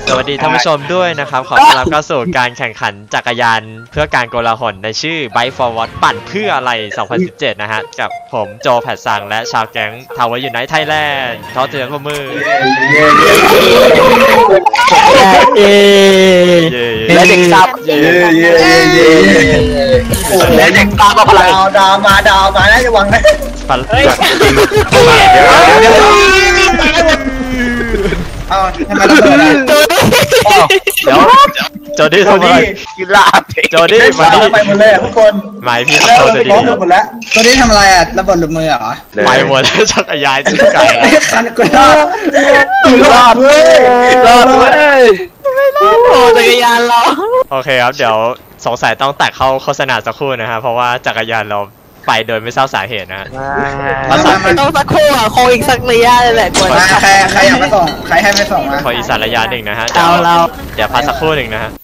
สวัสดีท่านผู้ชมด้วยนะครับขอต้อนรับเข้าสู่การแข่งขันจักรยานเพื่อการโกลาหลในชื่อ Bike Forward ปั่นเพื่ออะไร 2017 นะฮะกับผมโจแพทซังและชาวแก๊งทาวเวอร์ยูไนท์ไทยแลนด์ขอเตือนข้อมือและเด็กซับและเด็กซับมาพลังดาวมานะจะหวังนะเฮ้ยเอาทำไมต้องเปิดเดี๋ยวโจดี้ทำอะไรกีฬาโจดี้มาดิไปหมดเลยทุกคนหมายพี่โจดี้หมดแล้วโจดี้ทำอะไรอ่ะระเบิดหลุดมือเหรอไปหมดแล้วจักรยานจิ้งไก่คันกูรอดเว้ยโอ้จักรยานเราโอเคครับเดี๋ยวสงสัยต้องตัดเข้าโฆษณาสักครู่นะครับเพราะว่าจักรยานเราไปโดยไม่ทราบสาเหตุนะมันต้องสักครู่อ่ะโคอีกสักระยะเลยแหละกว่าใครอยากไปส่งใครให้ไปส่งนะขออีกสักระยะหนึ่งนะฮะเดี๋ยวพักสักครู่หนึ่งนะฮะ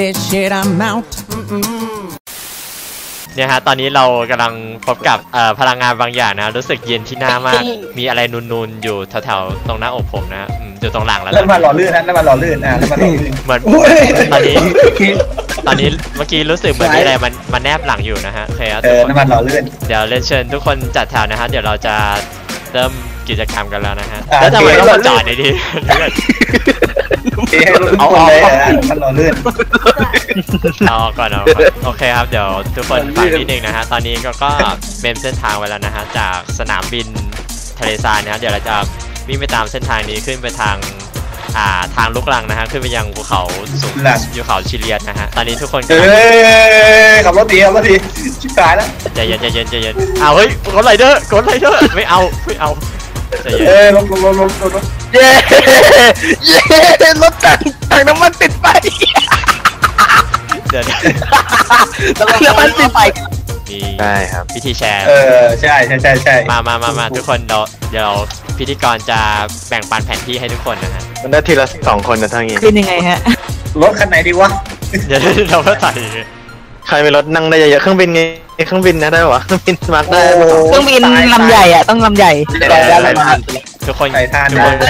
เนี่ยฮะตอนนี้เรากำลังพบกับพลังงานบางอย่างนะรู้สึกเย็นที่หน้ามากมีอะไรนูนๆอยู่แถวๆตรงหน้าอกผมนะอยู่ตรงหลังแล้วแล้วมาหล่อลื่นนะแล้วมาหล่อลื่นแล้วมาหล่อลื่นเหมือนตอนนี้เมื่อกี้รู้สึกเหมือนมีอะไรมันแนบหลังอยู่นะฮะโอเคครับน้ำมันหล่อลื่นเดี๋ยวเรียนเชิญทุกคนจัดแถวนะฮะเดี๋ยวเราจะเริ่มกิจกรรมกันแล้วนะฮะแล้วทำไมต้องมาจอดในที่เอาเลยมันหล่อลื่นเอาก่อนโอเคครับเดี๋ยวทุกคนฟังนิดนึงนะฮะตอนนี้ก็เมมเส้นทางไว้แล้วนะฮะจากสนามบินทะเลทรายนะฮะเดี๋ยวเราจะวิ่งไปตามเส้นทางนี้ขึ้นไปทางลูกรังนะฮะขึ้นไปยังภูเขาสูงอยู่เขาชิเลียนนะฮะตอนนี้ทุกคนขับรถดีชิบหายแล้วใจเย็นเอาเฮ้ยกดไรเดอร์ไม่เอาใจเย็นลงเย้รถถังน้ำมันติดไปเดี๋ยวน้ำมันติดไปใช่ครับพิธีแชร์ใช่มาทุกคนเดี๋ยวพิธีกรจะแบ่งปันแผนที่ให้ทุกคนนะฮะมันได้ทีละ2 คนนะทั้งนี้เป็นยังไงฮะรถคันไหนดีวะเดี๋ยวเราก็ใส่ใครมีรถนั่งได้เยอะเครื่องบินไงเครื่องบินนะได้วะเครื่องบินมาได้เครื่องบินลำใหญ่อ่ะต้องลำใหญ่ทุกคนใส่ท่าน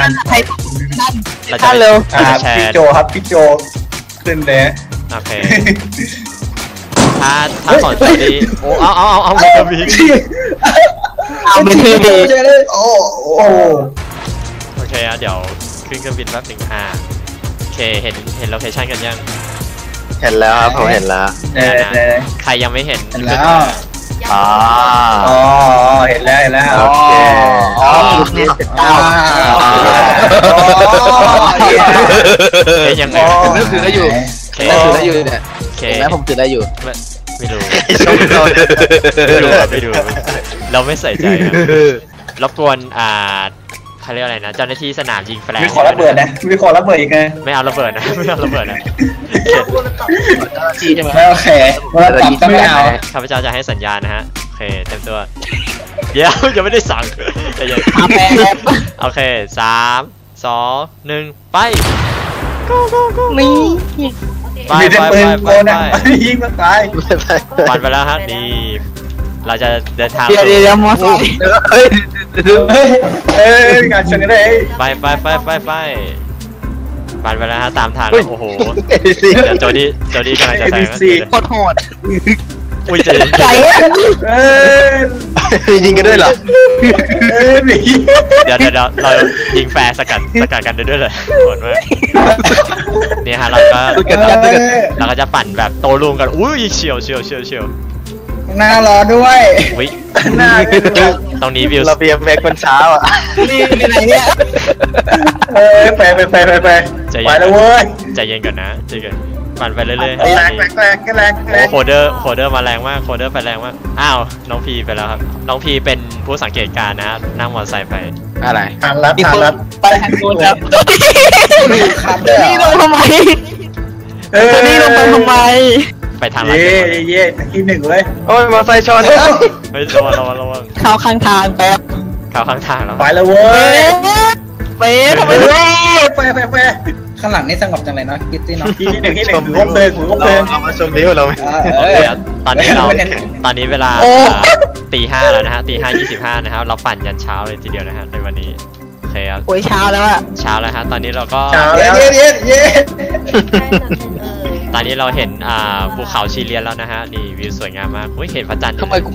ท่านเร็วพี่โจครับพี่โจขึ้นเลยโอเคถ้าก่อนจะดีโอ้เอามันจะมีมันคือดีโอ้โอเคเดี๋ยวขึ้นเครื่องบินแป๊บนึงโอเคเห็นโลเคชั่นกันยังเห็นแล้วครับผมเห็นแล้วใครยังไม่เห็นแล้วอ๋อเห็นแล้วโอเคยังไงนึกถึงได้อยู่เนี่ยแล้วผมถือได้อยู่ไม่รู้เราไม่ใส่ใจรบกวนเขาเรียกอะไรนะเจ้าหน้าที่สนามยิงแฟลชมีขอระเบิดนะมีขอระเบิดอีกไงไม่เอาระเบิดนะโอเคไม่เอาข้าพเจ้าจะให้สัญญาณนะฮะโอเคเต็มตัวเดี๋ยวยังไม่ได้สั่งใจเย็นโอเค3 2 1ไปมีไปยิงมันตายปั่นไปแล้วฮะนี่เราจะเดินทางเดี๋ยวมอสงานชนกันได้ไปปั่นไปแล้วฮะตามทางโอ้โหเดี๋ยวโจดี้กำลังจะแซงโคตรโหดอุ้ยใจยิงกันด้วยเหรอเดี๋ยวเรายิงแฟร์สกัดกันด้วยเลยโหดมากนี่ฮะเราก็จะปั่นแบบโตลุงกันอุ้ยเฉียวหน้ารอด้วยหน้าตรงนี้วิวเราเบียร์แม็กคนเช้าอ่ะนี่ไหนเนี่ยไปแล้วเว้ยใจเย็นก่อนนะใจเย็นปั่นไปเรื่อยๆแรงโอ้โคเดอร์มาแรงมากโคเดอร์ไปแรงมากอ้าวน้องพีไปแล้วครับน้องพีเป็นผู้สังเกตการณ์นะนั่งมอเตอร์ไซค์ไปอะไรทางลัดไปทางโน้นครับนี่ลงทำไมนี่ลงไปทำไมไปทางลัดที่1เลยโอ้ยมอเตอร์ไซค์ชนเฮ้ยระวังเข้าข้างทางแป๊บเข้าข้างทางแล้วไปแล้วเว้ยทำไมไปข้างหลังนี่สงบจังเลยเนาะคิดที่เนาะที่1ถือว่าเพลิงเรามาชมวิวเราตอนนี้เวลาตี 5แล้วนะฮะตี 5:25นะครับเราปั่นยันเช้าเลยทีเดียวนะฮะในวันนี้โอเคเคครับโอ้ยเช้าแล้วอะเช้าแล้วฮะตอนนี้เราก็เช้าเย็แล้วนเย็นเย็นตอนนี้เราเห็นภูเขาชีเลียนแล้วนะฮะนี่วิวสวยงามมากอุ้ยเห็นพระจันทร์ทำไมกู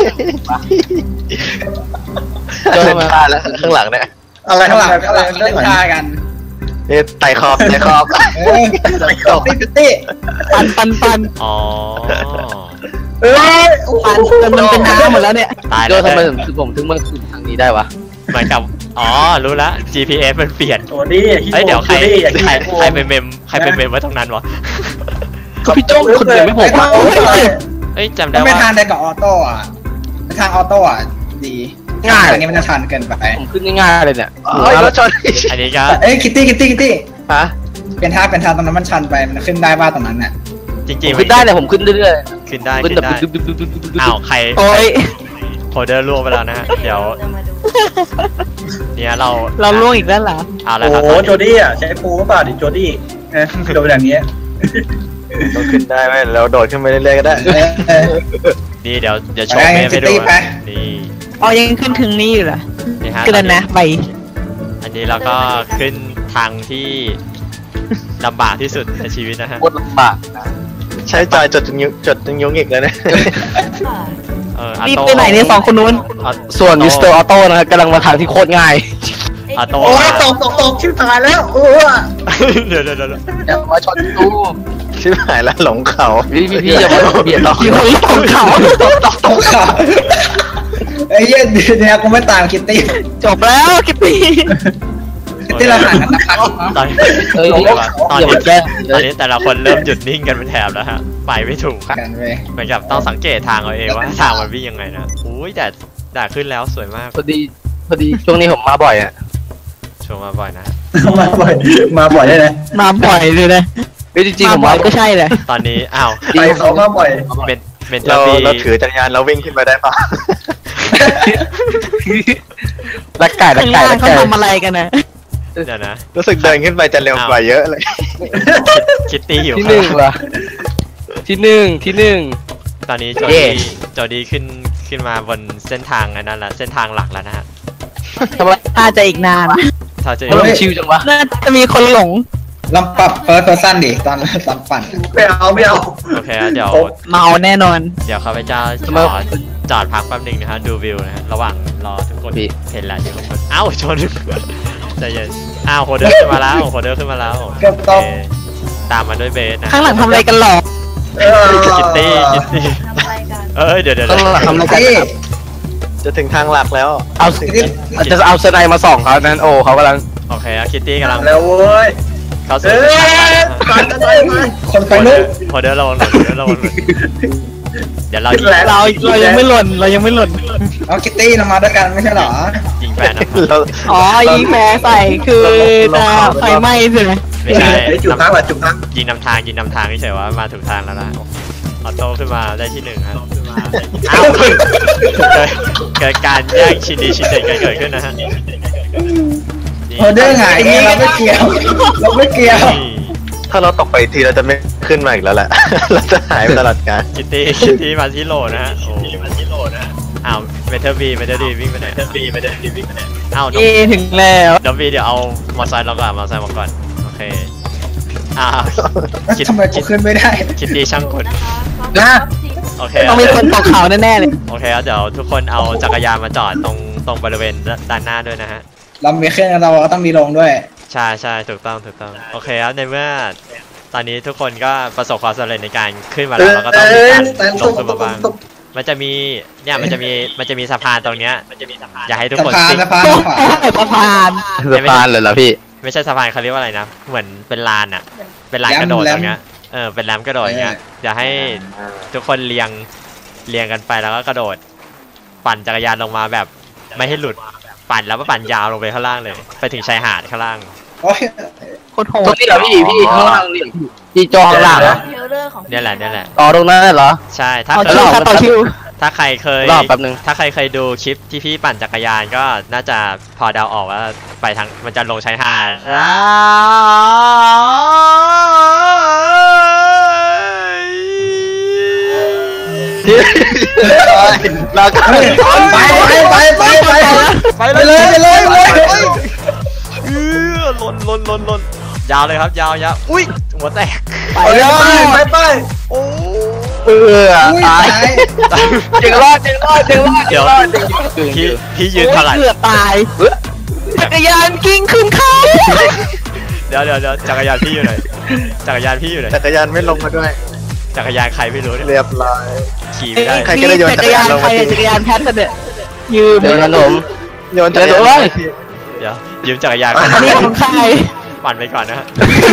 เดินผ่านแล้วข้างหลังเนี่ยอะไรข้างหลังอะไรเรื่องฆ่ากันนี่ไต่ขอบไต่ขอบไต่ขอบพี่พิตตี้ปันอ๋อเอ้ยปันจนมันเป็นน้ำหมดแล้วเนี่ยตายโดแล้วนทำไมเนี่ยถึงผมถึงมาขึ้นทางนี้ได้วะเหมือนกับอ๋อรู้ละ GPS มันเปลี่ยนโอ้นี่เอ้ยเดี๋ยวใครเป็นเมมไว้ตรงนั้นวะก็พี่โจ้คนเดียวไม่ผมเอ้ยจำได้ไม่ว่าทานได้กับออโต้อะไม่ทางออโต้อะดีทางนี้มันจะชันเกินไปผมขึ้นง่ายๆเลยเนี่ยเฮ้ยรถชนอันนี้ก็เอ้ยคิตตี้ฮะเป็นทางตรงนั้นมันชันไปมันขึ้นได้บ้าตรงนั้นเนี่ยจผริงมๆขึ้นได้เลยผมขึ้นเรื่อยขึ้นได้ๆขึ้ขึ้นนแบบได้ดึ๊บดึ๊บดึ๊บดึ๊บดึ๊บอ้าวใครโอ้ยโคเดอร์ล่วงไปแล้วนะฮะเดี๋ยวเนี่ยเราเราล่วงอีกแล้วเหรอเอาละโอ้ครับโหตอนโจนี้ดี้อ่ะใช้ปูหรือเปล่าดิโจดี้โดนอย่างเงี้ยต้องขึ้นได้ไหมเราโดดขึ้นไปเรื่อยๆก็ได้นี่เดี๋ยวโชว์เมมให้ดูนะนี่อ๋อยังขึ้นถึงนี่อยู่เหรอนี่ฮะก็แล้วนะใบอันนี้เราก็ขึ้นทางที่ลำบากที่สุดในชีวิตนะฮะโคตรลำบากใช้จอยจดจนยุงอีกแล้วเนี่ยอารีบโต้ไปไหนเนี่ยสองคนนู้นส่วนมิสเตอร์ออโต้นะครับกำลังมาทางที่โคตรง่ายอาโต้โอ้ยตกชิบหายแล้วโอ้ยเดี๋ยวอย่ามาชนตู้ชิบหายแล้วหลงเขาพี่อย่ามาเบียดเราอยู่ของเขาตกขาไอ้เหี้ยเนี่ยกูไม่ตามคิตตี้จบแล้วกิตตี้คิตตี้เราห่างกันสักพักตอนนี้เฮ้ยตอนอย่านี้มาแกล้งตอนนี้แต่ละคนเริ่มหยุดนิ่งกันเป็นแถบแล้วฮะไปไม่ถูกกันเว้ยเหมือนกับต้องสังเกตทางเอาเองว่าทางมันวิ่งยังไงนะอุ้ยแต่ขึ้นแล้วสวยมากพอดีช่วงนี้ผมมาบ่อยอ่ะชมมาบ่อยนะมาบ่อยได้เลยมาบ่อยเลยนะเฮ้ยจริงๆมาผมบ่อมายก็ใช่เลยตอนนี้อ้าวไปเขามาบ่อยเป็นเทอเราร์บีเราถือจักรยานเราวิ่งขึ้นไปได้ปะรักไก่รัข้าก งไก่ล่างรักเขาไก่ทำอะไรกันนะเดี๋ยวนะรู้สึกเดินขึ้นไปจะเร็วกว่าเยอะเลยคิตตี้อยู่ที่หนึ่งเหรอที่หนึ่งตอนนี้โจดี้ขึ้นมาบนเส้นทางอันนั้นละเส้นทางหลักแล้วนะฮะทำไมน่าจะอีกนานถ้าจะมันชิวจังวะน่าจะมีคนหลงลองปรับเฟิร์สเพอร์ซันดิตอนปั่นไม่เอาโอเคเดี๋ยวเมาแน่นอนเดี๋ยวข้าพเจ้าจอดพักแป๊บนึงนะฮะดูวิวนะฮะระหว่างรอทุกคนเห็นแล้วอยู่ข้างบนอ้าวชนใจเย็นอ้าวโคเดอร์ขึ้นมาแล้วโคเดอร์ขึ้นมาแล้วเกือบตกตามมาด้วยเบสนะข้างหลังทำอะไรกันหรอคิตตี้เดี๋ยวข้างหลังทำอะไรกันตี้จะถึงทางหลักแล้วเอาจะเอาสไนมาส่องเขานั้นโอ้เขากำลังโอเคคิตตี้กำลังแล้วเว้ยเข้าสู่คนไปลุกโคเดอร์ระวังหน่อยเดี๋ยวเรายิงเรายังไม่หล่นเรายังไม่หล่นเอาคิตตี้เรามาด้วยกันไม่ใช่เหรอยิงแฟนนะเราอ๋อยิงแพ้ใส่คือจะไฟไหม้ใช่ไหมไม่ใช่จุดพักว่ะจุดพักยิงนำทางเฉยๆว่ามาถูกทางแล้วนะออโต้ขึ้นมาได้ที่หนึ่งครับอ้าวเกิดการแย่งชินดีชินเด็ดเกิดขึ้นนะฮะโอเดอร์หงายเองเราไม่เกี่ยวถ้าเราตกไปทีเราจะไม่ขึ้นมาอีกแล้วแหละ เราจะหายไปตลอดกาลคิตตี้มาที่โหลนะฮะโอ้อ้าวเมทัลบีวิ่งไปไหนอ้าวเอถึงแล้วดอมบีเดี๋ยวเอามอไซค์เราก่อนมาก่อนโอเคอ้าวทำไมกูขึ้นไม่ได้คิตตี้ช่างกลนะโอเคต้องมีคนตกเขาแน่ๆเลยโอเคครับเดี๋ยวทุกคนเอาจักรยานมาจอดตรงบริเวณด้านหน้าด้วยนะฮะเรามีเครื่องเราก็ต้องมีลงด้วยใช่ถูกต้องโอเคครับในเมื่อตอนนี้ทุกคนก็ประสบความสำเร็จในการขึ้นมาแล้วเราก็ต้องมีการลงขึ้นมาบ้างมันจะมีสะพานตรงเนี้ยอยากให้ทุกสะคนพานซิ่งสะพานขวาสะพานสะพานเลยเหรอพี่ไม่ใช่สะพานเขาเรียกว่าอะไรนะเหมือนเป็นลานอ่ะเป็นลานกระโดดตรงเนี้ยเป็นแรมกระโดดอย่างเงี้ยอยากให้ทุกคนเรียงกันไปแล้วก็กระโดดปั่นจักรยานลงมาแบบไม่ให้หลุดปั่นแล้วก็ปั่นยาวลงไปข้างล่างเลยไปถึงชายหาดข้างล่างโอ้ยโคตรโหตรงดนี้เหรอพี่ข้างล่างนี่พี่จอข้างล่างเหรอเนี่ยแหละอ๋อตรงนั้นเหรอใช่ถ้าต่อเคคิวย ค่ะต่อคิวถ้าใครเคยรอแป๊บนึงถ้าใครเคยดูคลิปที่พี่ปั่นจักรยานก็น่าจะพอเดาออกว่าไปทางมันจะลงชายหาดเราก็ไปเลยนยาวเลยครับยาวอุ้ยหัวแตกไปเลยไปโอ้ตายเจ๋งรอดเดี๋ยวพี่ยืนเท่าไหร่เกือบตายจักรยานกิ้งขึ้นเขาเดี๋ยวจักรยานพี่อยู่ไหนจักรยานไม่ลงมาด้วยจักรยานใครไม่รู้เนี่ยเรียบร้อยขี่ไม่ได้ใครก็ได้โยนจักรยานใครจักรยานแพทเนี่ยยืมเดินขนมโยนจักรยานเดี๋ยวยืมจักรยานอันนี้ของใครปั่นไปก่อนนะฮะ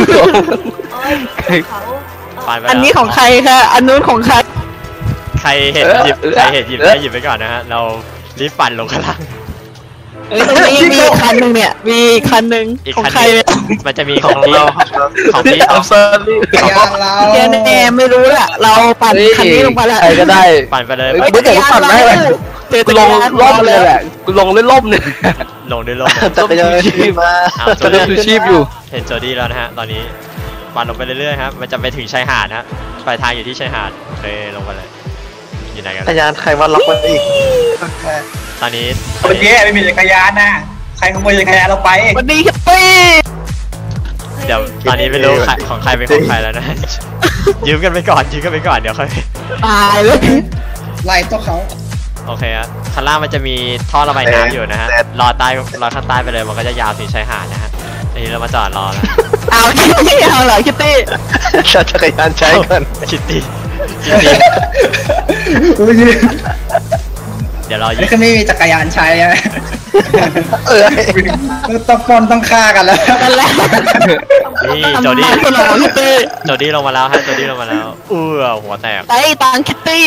ปั่นไปอันนี้แล้วของใครคะอันนู้นของใครใครเห็นหยิบได้หยิบไปก่อนนะฮะเรารีบปั่นลงข้างล่างตรงนี้ยังมีคันหนึ่งเนี่ยมีคันหนึ่งอีกของคันใครนึงมันจะมีของพี่ของพี่อัพเซอร์ลี่จักรยานเราแกแน่ไม่รู้แหละเราปั่นคันนี้ลงไปแล้วใครก็ได้ปั่นไปเลยไม่เดี๋ยวปั่นได้เลย กูลงล่มเลยแหละกูลงเล่นล่มเนี่ยลงด้วยลมนะจักรยานมาเอาโจจะเล่ดี้นชีพอยู่เห็นโจดี้แล้วนะฮะตอนนี้ปั่นลงไปเรื่อยๆครับมันจะไปถึงชายหาดนะฮะปลายทางอยู่ที่ชายหาดเลยลงไปเลยอยู่ไหนกันจักรยานใครว่าล็อกไว้อีกตอนนี้เมื่อกี้ไม่มีจักรยานนะใครขโมยจักรยานเราไปวันนี้ครับปี้เดี๋ยวตอนนี้ไม่รู้ของใครเป็นของใครแล้วนะ ยืมกันไปก่อนเดี๋ยวค่อยตายเลยไล่ตัวเขาโอเคฮะข้างล่างมันจะมีท่อระบายน้ำอยู่นะฮะรอข้างใต้ไปเลยมันก็จะยาวถึงชายหาดนะฮะอันนี้เรามาจอดรอแล้วเอาคิตตี้เอาเหรอคิตตี้จักรยานใช้ก่อนคิตตี้เดี๋ยวรอนี่คือไม่มีจักรยานใช้ใช่ไหม ต้องปนต้องฆ่ากันแล้วนั่นแหละนี่โจดี้ทำไมเหรอคิตตี้โจดี้ลงมาแล้วฮะโจดี้ลงมาแล้วหัวแตกไอ้ตังคิตตี้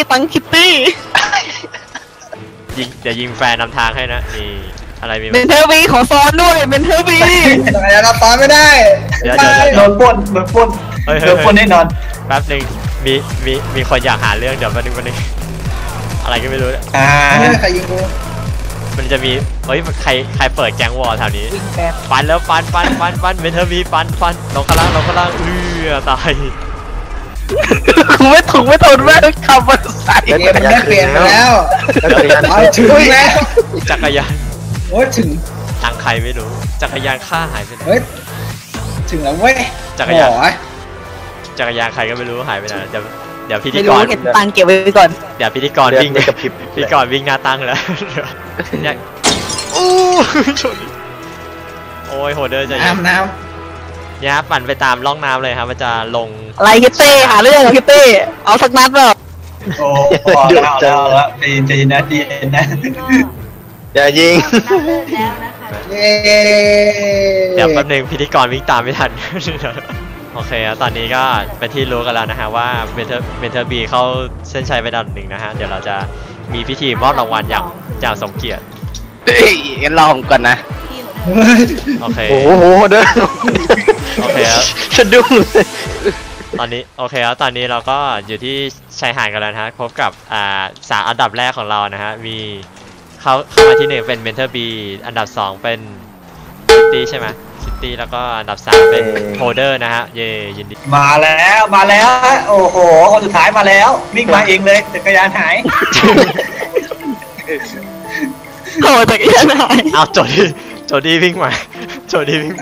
เดี๋ยวยิงแฟนนำทางให้นะนี่อะไรมีเมนเทอร์วีขอซ้อนด้วยเมนเทอร์วีจักรยานเราซ้อนไม่ได้เดี๋ยวโดนปล้นแน่นอนแป๊บหนึ่งมีคนอยากหาเรื่องเดี๋ยวแป๊บนึงอะไรก็ไม่รู้เนี่ยใครยิงกูมันจะมีเฮ้ยใครเปิดแก๊งวอลแถวนี้ฟันแล้วฟันเมนเทอร์วีฟันลงข้างล่างตายกูไม่ถูกไม่ทนแม่งขับมาใส่เกมมันได้เปลี่ยนไปแล้วจักรยานเอาถึงแล้วจักรยานโอ้ยถึงทางใครไม่รู้จักรยานข้าหายไปไหนเฮ้ยถึงแล้วเว้ยจักรยานใครก็ไม่รู้หายไปไหนเดี๋ยวพิธีไม่กรู้รเก็บตังค์เก็บไว้ก่อนเดี๋ยวพิธีกรเดือนวิ่งไม่กระพริบพิธีกรวิ่งหน้าตั้งแล้วเนี่ยอู้ชนโอ้ยโหเดอร์ใจเย็นน้เนี่ยครับปั่นไปตามร่องน้ำเลยครับมันจะลงอะไรคิตตี้หาเรื่องคิตตี้เอาสักนัดเปล่าโอ้แล้วใจเย็นนะอย่ายิงำเย้เดี๋ยวแป๊บนึงพิธีกรวิ่งตามไม่ทัน โอเคครับตอนนี้ก็เป็นที่รู้กันแล้วนะฮะว่าเมเทอร์บีเข้าเส้นชัยไปดับหนึ่งนะฮะเดี๋ยวเราจะมีพิธีมอบรางวัลอย่างสมเกียรติงั้นรอผมก่อนนะโอเคโอ้โหเด้อโอเคครับสะดุ้งเลยตอนนี้โอเคครับตอนนี้เราก็อยู่ที่ชายหาดกันแล้วนะฮะพบกับ3อันดับแรกของเรานะฮะมีเข้ามาที่1เป็นเมนเทอร์บีอันดับ2เป็นซิตี้ใช่ไหมซิตี้แล้วก็อันดับ3เป็นโฮเดอร์นะฮะเย่ยินดีมาแล้วโอ้โหคนสุดท้ายมาแล้ววิ่งมาเองเลยจักรยานหายโอ้จักรยานหายเอาโจดี้วิ่งมาโจดี้วิ่งมา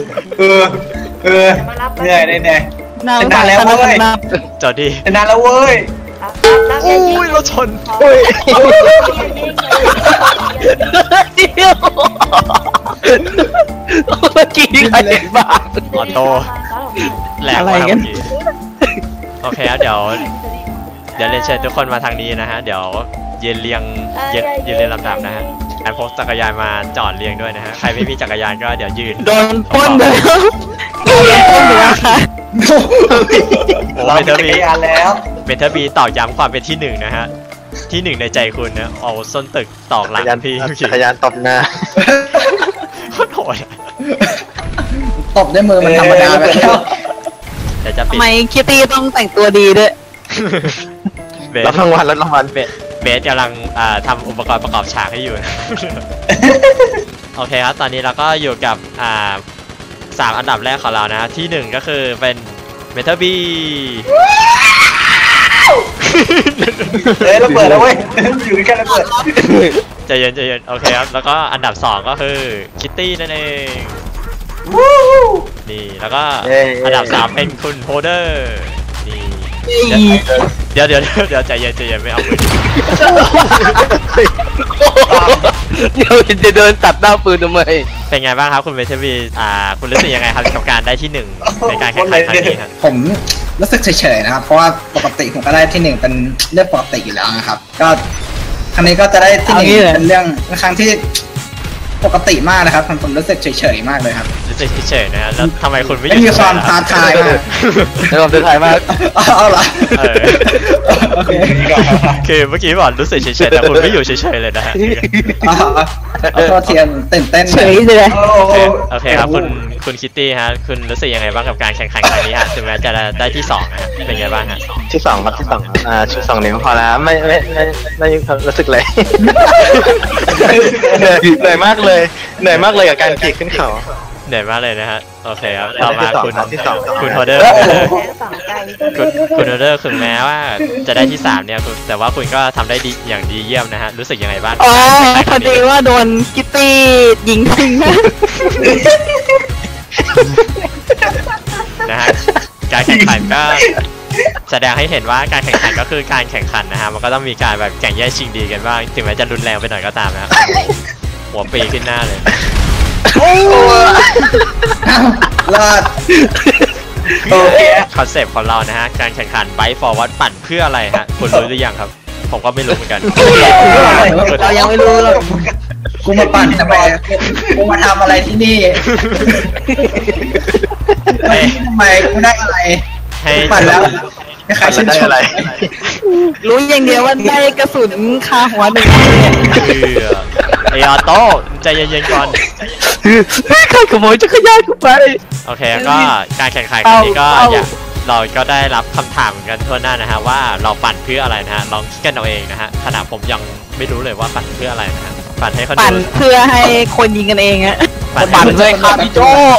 เหนื่อยนานแล้วเว้ยโจดี้นานแล้วเว้ยอุ้ยรถชนเมื่อกี้ใครเห็นบ้างออโต้แหลกมาเมื่อกี้โอเคครับเดี๋ยวเรียนเชิญทุกคนมาทางนี้นะฮะเดี๋ยวยืนเรียงลำดับนะฮะอันพกจักรยานมาจอดเรียงด้วยนะฮะใครไม่มีจักรยานก็เดี๋ยวยืนโดนปล้นเลยโดนปล้นเลยนะคะโอ้เราเมมีเทอจัร์กบีรยานแล้วเมเทอร์บีตอกย้ำความเป็นที่1นะฮะที่1ในใจคุณนะเอาส้นตึกตอกหลังพี่จักรยานตบหน้าโคตรโหดอะตบด้วยมือมันธรรมดาไปแล้วเดี๋ยวจะปิดทำไมคิตตี้ต้องแต่งตัวดีด้วยเบสรับรางวัลเบสกำลังทำอุปกรณ์ประกอบฉากให้อยู่นะ โอเคครับตอนนี้เราก็อยู่กับ3อันดับแรกของเรานะ ที่1ก็คือเป็นเมทัลบีเราเปิดแล้วเว้ยอยู่แค่เราเปิดใจเย็นโอเคครับแล้วก็อันดับ2ก็คือคิตตี้นั่นเองนี่แล้วก็อันดับ3เป็นคุณโฮเดอร์นี่เดี๋ยวใจเย็นไม่เอามือเดี๋ยวจะเดินตัดหน้าปืนทำไมเป็นไงบ้างครับคุณเวทวีคุณรู้สึกยังไงครับกับการได้ที่1ในการแข่งขันครั้งนี้ครับผมรู้สึกเฉยๆนะครับ เพราะว่าปกติผมก็ได้ที่1เป็นเรื่องปกติอยู่แล้วนะครับ ก็ครั้งนี้ก็จะได้ที่1เป็นเรื่องครั้งที่ปกติมากนะครับผมรู้สึกเฉยๆมากเลยครับรู้สึกเฉยๆนะแล้วทำไมคุณไม่ไม่มีความท้าทายมากในความท้าทายมากเอาเหรอโอเคคือเมื่อกี้บอกรู้สึกเฉยๆแต่คุณไม่อยู่เฉยๆเลยนะฮะเอาโทษเทียนตื่นเต้นเฉยเลยโอเคครับคุณคิตตี้ฮะคุณรู้สึกยังไงบ้างกับการแข่งขันครั้งนี้ฮะถึงแม้จะได้ที่2นะฮะเป็นไงบ้างฮะที่2ครับที่2ชุด2นิ้วพอแล้วไม่รู้สึกเลยเหนื่อยมากเลยกับการขี่ขึ้นเขาเหนื่อยมากเลยนะฮะโอเคครับต่อมาคุณโฮเดอร์คุณโฮเดอร์ถึงแม้ว่าจะได้ที่3เนี่ยแต่ว่าคุณก็ทำได้ดีอย่างดีเยี่ยมนะฮะรู้สึกยังไงบ้างอ๋อพอดีว่าโดนคิตตี้ยิงทิ้งนะนะฮะการแข่งขันก็แสดงให้เห็นว่าการแข่งขันก็คือการแข่งขันนะฮะมันก็ต้องมีการแบบแข่งแย่งชิงดีกันบ้างถึงแม้จะรุนแรงไปหน่อยก็ตามนะครับหัวปีขึ้นหน้าเลยรอดโอเคคอนเซปต์ของเรานะฮะการแข่งขันไบค์ฟอร์วัดปั่นเพื่ออะไรฮะคุณรู้หรือยังครับผมก็ไม่รู้เหมือนกันเรายังไม่รู้หรอกกูมาปั่นทำไมกูมาทำอะไรที่นี่ทำไมกูได้อะไรให้ปั่นแล้วใครชื่นชมรู้อย่างเดียวว่าได้กระสุนคาหัว1 นัดเนี่ยไอออโต้ใจเย็นๆก่อนใครขโมยจักรยานกูไปโอเคก็การแข่งขันครั้งนี้ก็เราก็ได้รับคำถามกันทั่วหน้านะฮะว่าเราปั่นเพื่ออะไรนะฮะลองคิดกันเอาเองนะฮะขณะผมยังไม่รู้เลยว่าปั่นเพื่ออะไรนะฮะปั่นให้เขาปั่นดูเพื่อให้คนยิงกันเองอะปั่นเลยครับพี่โจ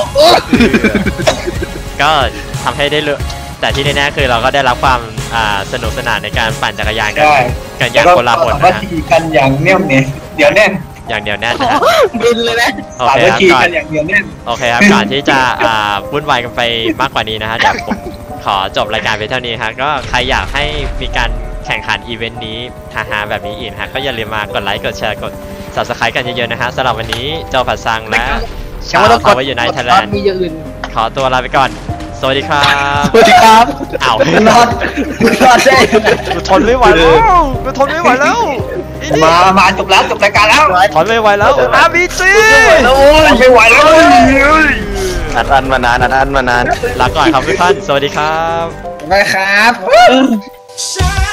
ก็ทำให้ได้เลยแต่ที่แน่ๆคือเราก็ได้รับความสนุกสนานในการปั่นจักรยานกันอย่างโกลาหลว่านะฮะทีกันอย่างแน่วเนี่ยเดี๋ยวแน่นอย่างเดียวแน่นนะฮะบินเลยนะโอสาเคมัคครับคีก่อกัน นอย่างเดียวแน่นโอเคครับก่อนที่จะวุ่นวายกันไปมากกว่านี้นะฮะเดี๋ยวผมขอจบรายการไปเท่านี้ฮะก็ใครอยากให้มีการแข่งขันอีเวนต์นี้ฮาๆแบบนี้อีกนะฮะก็อย่าลืมมากดไลค์กดแชร์กด Subscribe กันเยอะๆนะฮะสำหรับวันนี้เจ้าผัดซังและชาวเขาไว้อยู่ในไทยแลนด์มีอย่างอื่นขอตัวลาไปก่อนสวัสดีครับสวัสดีครับอ้าวรอดได้กูทนไม่ไหวแล้วกูทนไม่ไหวแล้วอีนี่มาจบรายการแล้วทนไม่ไหวแล้วRBG ไม่ไหวแล้วอัดมานานลาก่อนครับทุกท่านสวัสดีครับไปครับ Shine